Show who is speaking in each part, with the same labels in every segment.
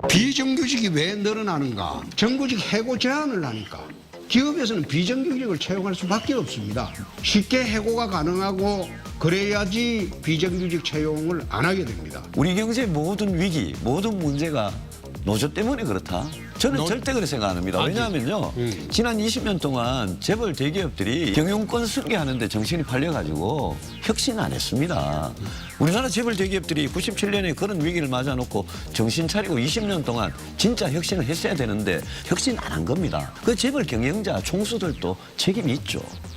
Speaker 1: 비정규직이 왜 늘어나는가? 정규직 해고 제한을 하니까 기업에서는 비정규직을 채용할 수밖에 없습니다. 쉽게 해고가 가능하고 그래야지 비정규직 채용을 안 하게 됩니다.
Speaker 2: 우리 경제의 모든 위기, 모든 문제가 노조 때문에 그렇다. 저는 절대 그렇게 생각 안 합니다. 왜냐하면요. 지난 20년 동안 재벌 대기업들이 경영권 승계하는데 정신이 팔려가지고 혁신 안 했습니다. 우리나라 재벌 대기업들이 97년에 그런 위기를 맞아놓고 정신 차리고 20년 동안 진짜 혁신을 했어야 되는데 혁신 안 한 겁니다. 그 재벌 경영자 총수들도 책임이 있죠.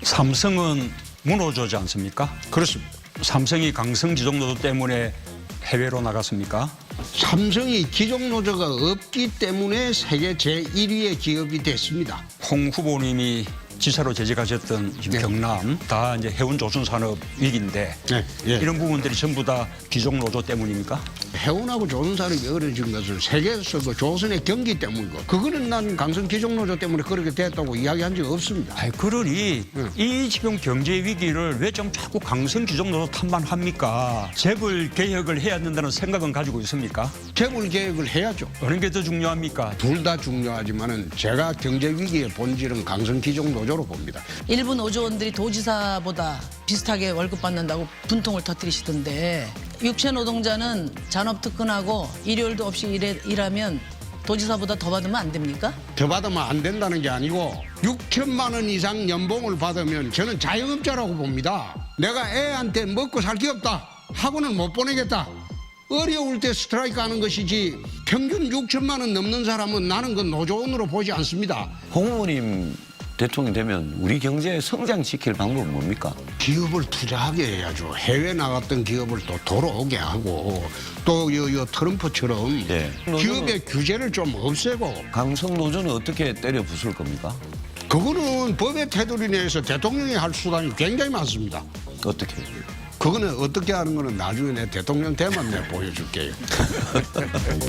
Speaker 3: 삼성은 문호조지 않습니까?
Speaker 1: 그렇습니다.
Speaker 3: 삼성이 강성지정노조 때문에 해외로 나갔습니까?
Speaker 1: 삼성이 기존 노조가 없기 때문에 세계 제1위의 기업이 됐습니다.
Speaker 3: 홍 후보님이 지사로 재직하셨던 지금 경남 다 이제 해운 조선 산업 위기인데
Speaker 1: 네, 예.
Speaker 3: 이런 부분들이 전부 다 기종 노조 때문입니까?
Speaker 1: 해운하고 조선산업이 어려진 것은 세계에서 그 조선의 경기 때문이고 그거는 난 강성 기종노조 때문에 그렇게 됐다고 이야기한 적 없습니다.
Speaker 3: 아이 그러니 이 지금 경제 위기를 왜 좀 자꾸 강성 기종 노조 탓만 합니까? 재벌 개혁을 해야 된다는 생각은 가지고 있습니까?
Speaker 1: 재벌 개혁을 해야죠.
Speaker 3: 어느 게 더 중요합니까?
Speaker 1: 둘 다 중요하지만은 제가 경제 위기의 본질은 강성 기종 노조로 봅니다.
Speaker 4: 일부 노조원들이 도지사보다 비슷하게 월급 받는다고 분통을 터뜨리시던데 육체 노동자는 잔업 특근하고 일요일도 없이 일하면 도지사보다 더 받으면 안 됩니까?
Speaker 1: 더 받으면 안 된다는 게 아니고 6천만 원 이상 연봉을 받으면 저는 자영업자라고 봅니다. 내가 애한테 먹고 살 게 없다 하고는 못 보내겠다. 어려울 때 스트라이크 하는 것이지 평균 6천만 원 넘는 사람은 나는 그 노조원으로 보지 않습니다.
Speaker 2: 홍 후보님 대통령 되면 우리 경제 성장시킬 방법은 뭡니까?
Speaker 1: 기업을 투자하게 해야죠. 해외 나갔던 기업을 또 돌아오게 하고 또 트럼프처럼
Speaker 2: 예.
Speaker 1: 기업의 규제를 좀 없애고
Speaker 2: 강성 노조는 어떻게 때려 부술 겁니까?
Speaker 1: 그거는 법의 테두리 내에서 대통령이 할 수단이 굉장히 많습니다.
Speaker 2: 어떻게?
Speaker 1: 그거는 어떻게 하는 거는 나중에 내 대통령 되면 내가 보여줄게요.